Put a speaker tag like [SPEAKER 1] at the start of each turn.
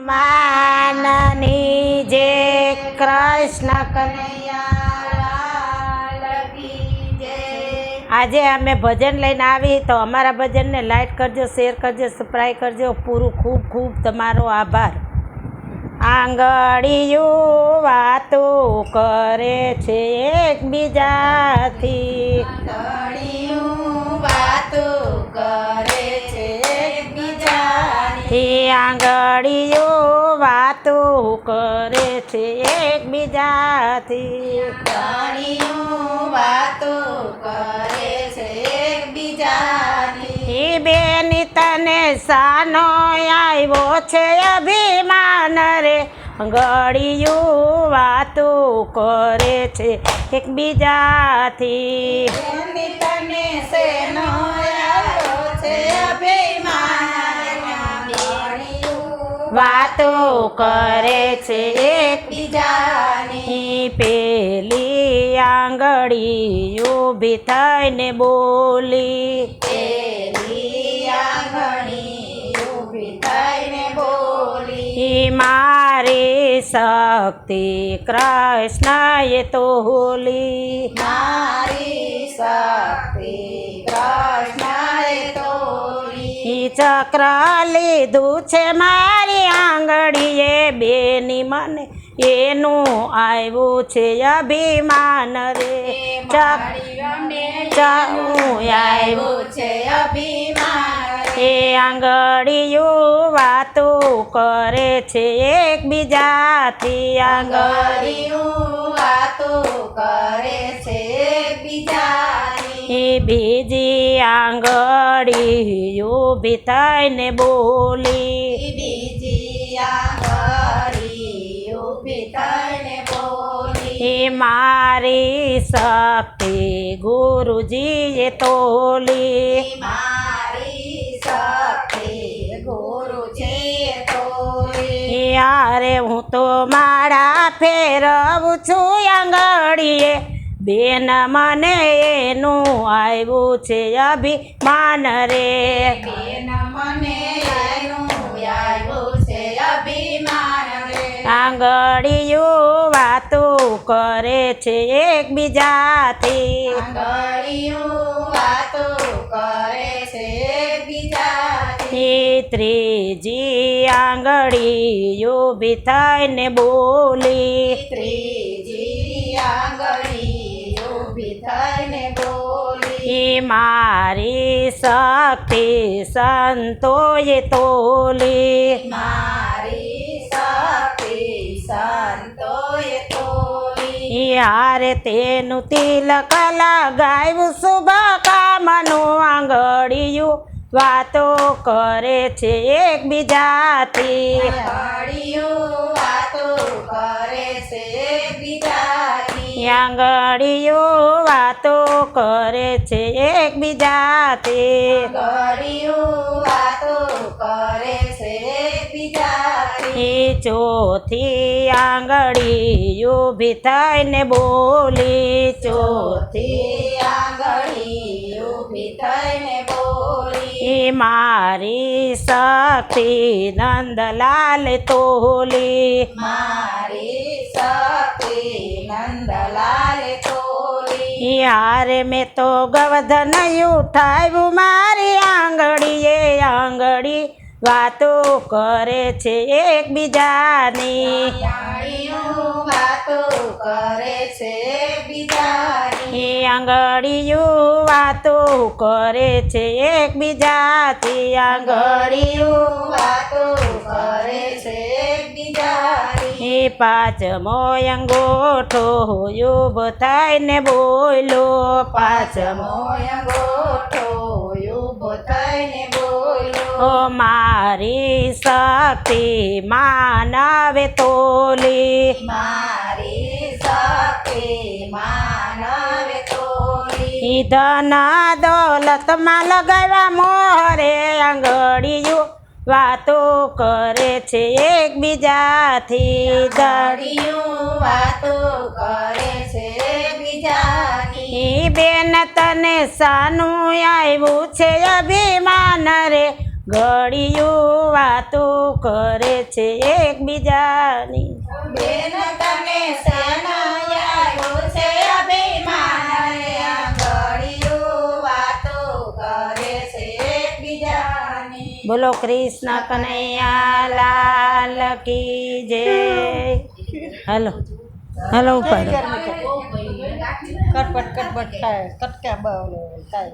[SPEAKER 1] હનુમાનની જે કૃષ્ણ કનૈયા આજે અમે ભજન લઈને આવી તો અમારા ભજનને લાઈક કરજો, શેર કરજો, સબસ્ક્રાઈબ કરજો. પૂરું ખૂબ ખૂબ તમારો આભાર. આંગળીયું વાતો કરે છે એકબીજાથી, આંગળીયું વાતો કરે છે એકબીજાથી, બેની તને સાનો આવ્યો છે અભિમાન રે, આંગળીયું વાતો કરે છે એકબીજાથી,
[SPEAKER 2] તને શેનો આવ્યો છે અભિમાન,
[SPEAKER 1] વાતો કરે છે
[SPEAKER 2] એકબીજાની.
[SPEAKER 1] પેલી આંગળી ઊભી થઈને બોલી,
[SPEAKER 2] પેલી આંગળી ઊભી થઈને બોલી,
[SPEAKER 1] મારી શક્તિ કૃષ્ણએ તોલી,
[SPEAKER 2] મારી શક્તિ કૃષ્ણએ તોલી,
[SPEAKER 1] ચક્ર લીધું છે મારી આંગળીએ બેની મને એનું આવ્યું છે અભિમાન રે,
[SPEAKER 2] આવ્યું છે અભિમાન,
[SPEAKER 1] એ આંગળીયું વાતો કરે છે એકબીજાથી,
[SPEAKER 2] આંગળીયું વાતો કરે છે એકબીજાની.
[SPEAKER 1] બીજી આંગળી ઊભી થઈને બોલી,
[SPEAKER 2] બીજી આંગળી ઊભી થઈને બોલી,
[SPEAKER 1] મારી શક્તિ ગુરુજીએ તોલી,
[SPEAKER 2] મારી શક્તિ ગુરુજીએ તોલી,
[SPEAKER 1] યારે હું તો માળા ફેરવું છું આંગળીએ બેન મને એનું આવ્યું છે અભિમાન રે,
[SPEAKER 2] બેન મને એનું આવ્યું છે અભિમાન રે,
[SPEAKER 1] આંગળીયું વાતો કરે છે એકબીજાથી,
[SPEAKER 2] આંગળીયું વાતો કરે છે એકબીજાથી.
[SPEAKER 1] ત્રીજી આંગળી ઊભી થઈને બોલી,
[SPEAKER 2] ત્રીજી આંગળી ઊભી થઈને બોલી,
[SPEAKER 1] મારી શક્તિ સંતોએ તોલી,
[SPEAKER 2] મારી શક્તિ સંતોએ તોલી,
[SPEAKER 1] યારે તેનું તિલક લગાવ્યું શુભ કામનું આંગળીયું વાતો કરે છે એકબીજાથી,
[SPEAKER 2] આંગળીયું વાતો કરે છે એકબીજાની,
[SPEAKER 1] આંગળીયું વાતો કરે છે એકબીજાથી,
[SPEAKER 2] આંગળીયું વાતો કરે છે એકબીજાની.
[SPEAKER 1] ચોથી આંગળી ઊભી થઈને બોલી,
[SPEAKER 2] ચોથી આંગળી ઊભી થઈને બોલી,
[SPEAKER 1] મારી શક્તિ નંદલાલ તોલી,
[SPEAKER 2] મારી શક્તિ નંદલાલ તોલી,
[SPEAKER 1] યારે મેં તો ગવર્ધન ઉઠાવ્યું મારી આંગળીએ, આંગળી વાતો કરે છે એકબીજાની,
[SPEAKER 2] આંગળીયું વાતો કરે છે એકબીજાની,
[SPEAKER 1] આંગળીયું વાતો કરે છે એકબીજાથી,
[SPEAKER 2] આંગળીયું વાતો કરે છે એકબીજાની.
[SPEAKER 1] પાંચમો અંગોઠો ઊભો થઈને બોલો,
[SPEAKER 2] પાંચમો અંગોઠો ઊભો થઈને બોલ્યો,
[SPEAKER 1] મારી શક્તિ માનવે તોલી,
[SPEAKER 2] મારી શક્તિ માનવે તોલી,
[SPEAKER 1] ધન દોલતમાં લગાવ્યા મોહરે આંગળીયું વાતો કરે છે એકબીજાથી,
[SPEAKER 2] આંગળીયું વાતો કરે છે એકબીજાની.
[SPEAKER 1] બેન તને સાનું આવ્યું છે અભિમાન રે, ઘડિયું વાતો કરે છે એકબીજાની
[SPEAKER 2] બેન તને સનયાયું છે અભિમાન ઘડિયું વાતો કરે છે એકબીજાની
[SPEAKER 1] બોલો કૃષ્ણ કનૈયા લાલ કી જય હાલો હાલો ઉપર
[SPEAKER 3] કટપટ થાય કટકા થાય